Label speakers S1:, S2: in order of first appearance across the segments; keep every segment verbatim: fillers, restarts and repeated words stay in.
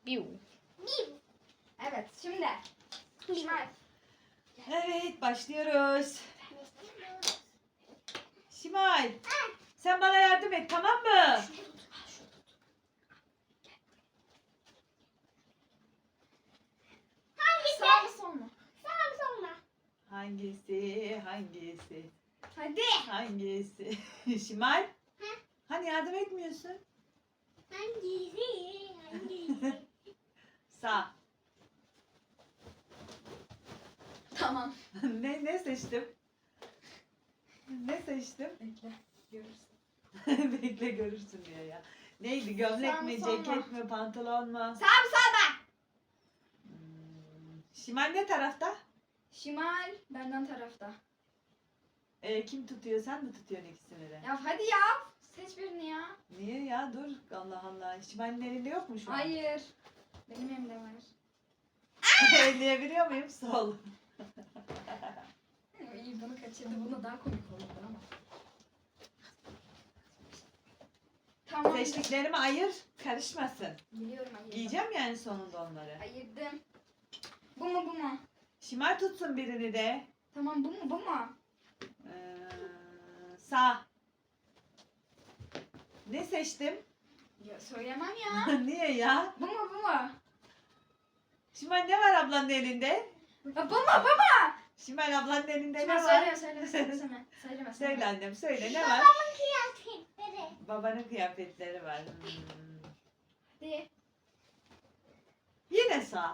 S1: Biu. Evet şimdi. Şimal.
S2: Evet başlıyoruz. Şimal. Sen bana yardım et tamam mı?
S1: Sağ mı sol mu?
S2: Hangisi? Hangisi?
S1: Hadi.
S2: Hangisi? Şimal. Hani yardım etmiyorsun? Sağ.
S1: Tamam.
S2: ne ne seçtim? Ne seçtim?
S1: Bekle. Görürsün.
S2: Bekle görürsün diyor ya. Neydi? Gömlek
S1: Sağ mı,
S2: mi,
S1: sol mu?
S2: ceket mi, pantolon mu?
S1: Sağ mı sol mu?
S2: Hmm, Şimal ne tarafta?
S1: Şimal benden tarafta.
S2: Ee, kim tutuyor? Sen mi tutuyorsun ikisini de?
S1: Ya hadi ya. Seç birini ya.
S2: Niye ya? Dur. Allah Allah. Şimal'in elinde yok mu şu an?
S1: Hayır. Benim elimde var.
S2: Elleyebiliyor muyum? Sol.
S1: İyi bunu kaçırdı. Buna daha komik oldu ama. Tamam.
S2: Seçtiklerimi ayır. Karışmasın.
S1: Biliyorum ayırdım.
S2: Giyeceğim yani sonunda onları.
S1: Ayırdım. Bu mu bu mu?
S2: Şimal tutsun birini de.
S1: Tamam bu mu bu mu?
S2: Ee, sağ. Ne seçtim?
S1: Ya söylemem ya.
S2: Niye ya?
S1: Bu mu bu mu?
S2: Şimal ne var ablanın elinde?
S1: Ya bu mu bu mu?
S2: Şimal ablanın elinde
S1: Şimdi
S2: ne var?
S1: söyleme söyleme söyleme. Söyleme söyleme.
S2: Söyle annem söyle ne var? Babanın kıyafetleri var. Hmm.
S1: Hadi.
S2: Yine sağ.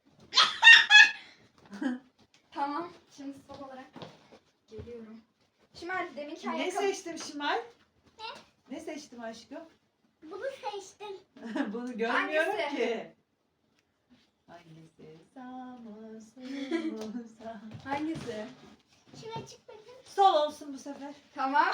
S1: Tamam. Şimdi sol olarak geliyorum. Şimdi hadi deminki
S2: Ne
S1: ayakkabı.
S2: seçtim Şimal? Ne? Ne seçtim aşkım?
S3: Bunu seçtim.
S2: Bunu görmüyorum
S1: Hangisi?
S2: ki. Hangisi? Sağ mı? Sol mu? Sağ.
S1: Hangisi?
S3: Şuna çık bakayım.
S2: Sol olsun bu sefer.
S1: Tamam.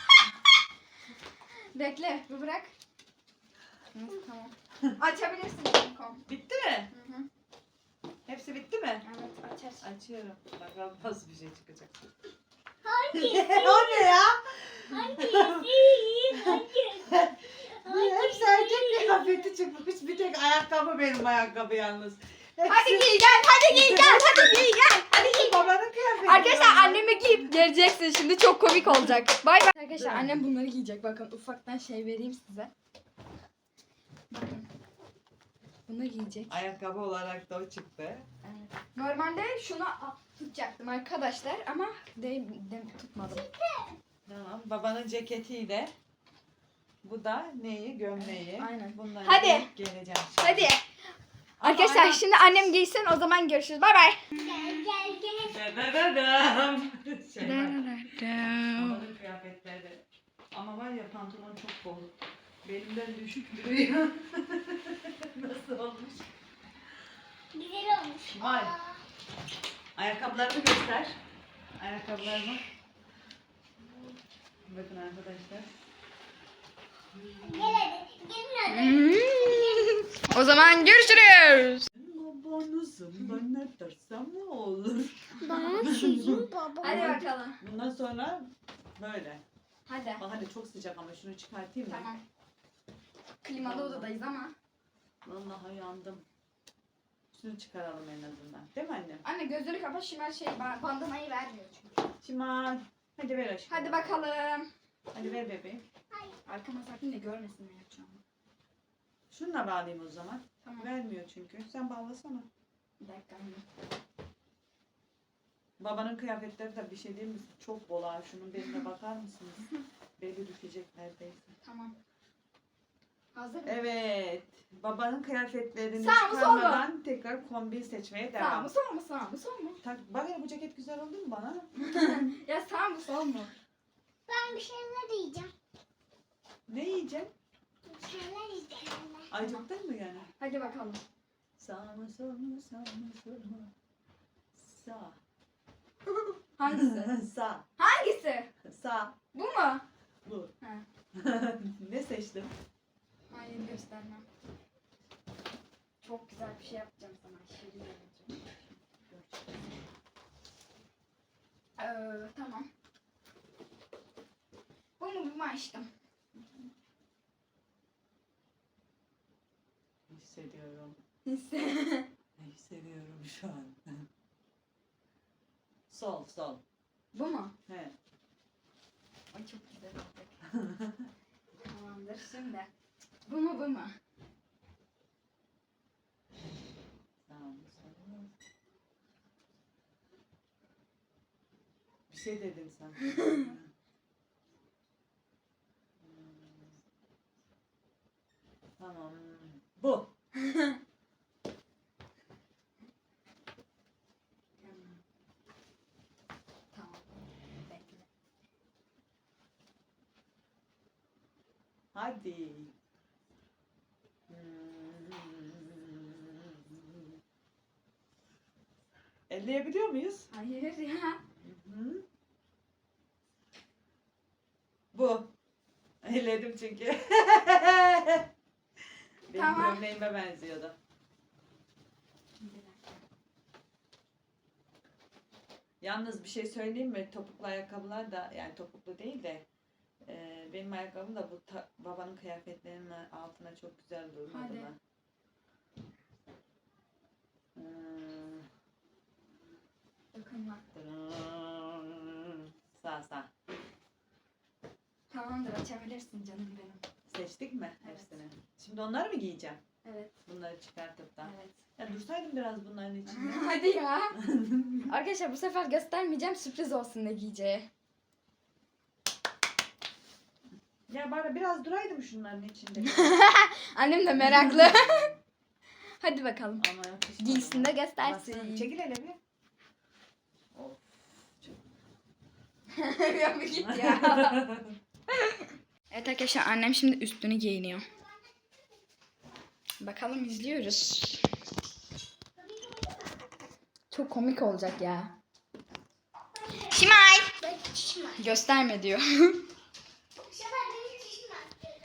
S1: Bekle. Bu bırak. Hı, tamam. Açabilirsin. Kom.
S2: Bitti mi?
S1: Hı hı.
S2: Hepsi bitti mi?
S1: Evet aç aç.
S2: Açıyorum. Bakalım nasıl bir şey çıkacak.
S3: Hangisi?
S2: O ne ya?
S3: Hangisi? Hangisi?
S2: Bu hepsi erkek kıyafeti çıkmış. Bir tek ayakkabı benim ayakkabı yalnız. Hepsi...
S1: Hadi giy gel. Hadi giy gel. Hadi giy gel. Hadi giy.
S2: Babanın kıyafeti.
S1: Arkadaşlar annemi giyip geleceksin. Şimdi çok komik olacak. Bay bay. Arkadaşlar annem bunları giyecek. Bakın ufaktan şey vereyim size. Bakın. Bunu giyecek.
S2: Ayakkabı olarak da o çıktı.
S1: Evet. Normalde şunu tutacaktım arkadaşlar ama de, de tutmadım.
S2: Tamam. Babanın ceketiyle. Bu da neyi? Gömleği.
S1: Aynen.
S2: Bunları
S1: Hadi.
S2: giyip geleceğim. şimdi.
S1: Hadi.
S2: Ama
S1: Arkadaşlar
S2: aynen-
S1: şimdi annem giysin o zaman görüşürüz. Bay bay.
S3: Gel gel gel.
S2: Dadadadam. Şey var. Babanın kıyafetleri. Ama var ya pantolon çok bol. Belimden düşük duruyor. Nasıl olmuş?
S3: Güzel olmuş.
S2: Vay.
S3: Aa,
S2: Ayakkabılarımı göster. Ayakkabılarımı. Bakın arkadaşlar.
S3: Gel hadi. Gelin hadi.
S1: O zaman görüşürüz.
S2: Babanızım ben ne dersem ne olur.
S3: Ben sizin babam.
S1: Hadi bakalım.
S2: Bundan sonra böyle.
S1: Hadi.
S2: Bak hadi çok sıcak ama şunu çıkartayım mı?
S1: Tamam. Klimalı odadayız ama.
S2: Vallahi yandım. Şunu çıkaralım en azından. Değil mi annem?
S1: Anne gözünü kapat şimdi şey ba- bandanayı vermiyor çünkü.
S2: Şimal. Hadi ver aşkım.
S1: Hadi bakalım.
S2: Hadi ver bebeğim.
S1: Arkama sakın da görmesin ne yapacağımı.
S2: Şununla bağlayayım o zaman.
S1: Tamam.
S2: Vermiyor çünkü. Sen bağlasana.
S1: Bir dakika anne.
S2: Babanın kıyafetleri de bir şey değil mi? Çok bol ha. Şunun beline bakar mısınız? Beli düşecek neredeyse.
S1: Tamam. Hazır mı?
S2: Evet. Babanın kıyafetlerini
S1: Sağ mı, sol mu?
S2: çıkarmadan tekrar kombin seçmeye
S1: Sağ
S2: devam.
S1: mı sol mu sağ mı sol mu?
S2: Tak, bak ya bu ceket güzel oldu mu bana?
S1: Ya sağ mı sol mu?
S3: Ben bir şeyler yiyeceğim.
S2: Ne yiyeceksin?
S3: Bir şeyler yiyeceğim.
S2: Acıktın mı yani?
S1: Hadi bakalım.
S2: Sağ mı sol mu sağ mı sol mu? Sağ.
S1: Hangisi?
S2: Sağ.
S1: Hangisi?
S2: Sağ.
S1: Bu mu?
S2: Bu.
S1: Ha.
S2: Ne seçtim?
S1: Hayır göstermem. Çok güzel bir şey yapacağım sana. Şirin yapacağım. Ee, tamam. Bu mu bu mu açtım?
S2: hissediyorum.
S1: Hisse.
S2: Ne hissediyorum şu an? Sol, sol.
S1: Bu mu?
S2: He.
S1: Ay çok güzel olacak. Tamamdır şimdi. Bu mu bu mu?
S2: Tamam. Bir şey dedin sen. Tamam. Bu.
S1: Tamam. Bekle.
S2: Hadi. Elleyebiliyor muyuz?
S1: Hayır ya.
S2: Hı. Bu. Elledim çünkü. Benim
S1: Tamam.
S2: gömleğime benziyordu.
S1: Bir dakika.
S2: Yalnız bir şey söyleyeyim mi? Topuklu ayakkabılar da, yani topuklu değil de e, benim ayakkabım da bu ta- babanın kıyafetlerinin altına çok güzel durmadı
S1: Hadi.
S2: mı? Hmm.
S1: Dokunma.
S2: Sağ sağ.
S1: Tamamdır açabilirsin canım benim.
S2: Seçtik mi
S1: Evet.
S2: hepsini? Şimdi onları mı giyeceğim?
S1: Evet.
S2: Bunları çıkartıp da.
S1: Evet.
S2: Ya dursaydım biraz bunların içinde.
S1: Hadi ya. Arkadaşlar bu sefer göstermeyeceğim, sürpriz olsun ne giyeceği.
S2: Ya bari biraz duraydım şunların içinde.
S1: Annem de meraklı. Hadi bakalım.
S2: Ama yakışmadı
S1: Giysin de
S2: bana.
S1: göstersin.
S2: Baksana, çekil hele bir. Of.
S1: Ya bir git ya. Evet arkadaşlar annem şimdi üstünü giyiniyor. Bakalım izliyoruz. Çok komik olacak ya. Şimay.
S3: Ben şişmem.
S1: Gösterme diyor.
S3: Bu sefer benim şişmem.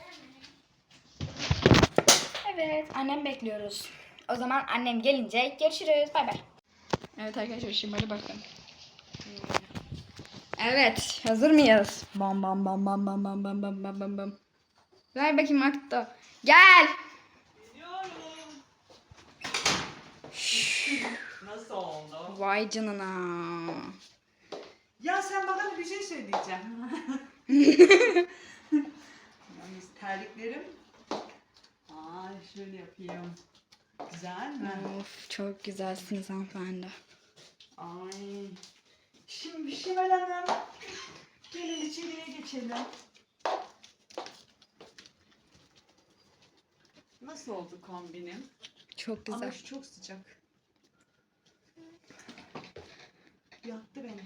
S1: Evet annem bekliyoruz. O zaman annem gelince görüşürüz. Bay bay. Evet arkadaşlar Şimay'a bakın. Evet hazır mıyız? Bam bam bam bam bam bam bam bam bam bam bam. Ver bakayım Akta. Gel.
S2: Nasıl oldu?
S1: Vay canına.
S2: Ya sen bana bir şey söyleyeceğim. Yalnız terliklerim. Ay şöyle yapayım. Güzel mi?
S1: Of çok güzelsiniz hanımefendi.
S2: Ay. Şimdi Şimal Hanım. Gelin içeriye geçelim. Nasıl oldu kombinim?
S1: Çok
S2: Ama
S1: güzel.
S2: şu çok sıcak. Yaktı beni.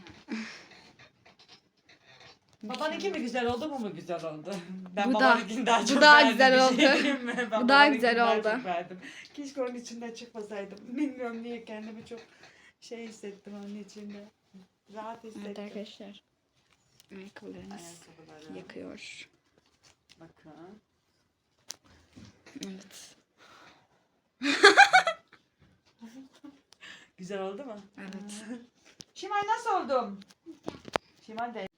S2: Babanınki mi güzel oldu, bu mu güzel oldu? Ben
S1: Bu da-
S2: babanınkini daha
S1: bu
S2: çok
S1: daha
S2: beğendim,
S1: güzel
S2: bir
S1: oldu.
S2: şey diyeyim mi? Ben
S1: Bu daha
S2: babanınkini
S1: güzel
S2: daha
S1: oldu.
S2: çok beğendim. Keşke onun içinden çıkmasaydım. Bilmiyorum niye kendimi çok şey hissettim onun içinde. Rahat hissettim.
S1: Evet arkadaşlar. Ayakkabılarımız
S2: Ayakkabıları.
S1: yakıyor.
S2: Bakın.
S1: Evet.
S2: Güzel oldu mu?
S1: Evet.
S2: Şimal nasıl oldum? Şimal de.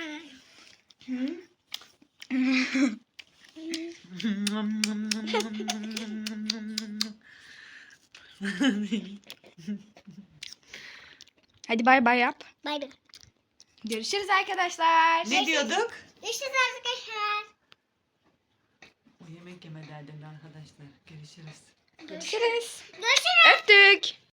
S1: Hadi bay bay yap.
S3: Bay bay.
S1: Görüşürüz arkadaşlar.
S2: Ne diyorduk?
S3: Görüşürüz arkadaşlar.
S2: O yemek yeme derdinde arkadaşlar. Görüşürüz.
S1: Görüşürüz.
S3: Görüşürüz.
S1: Öptük.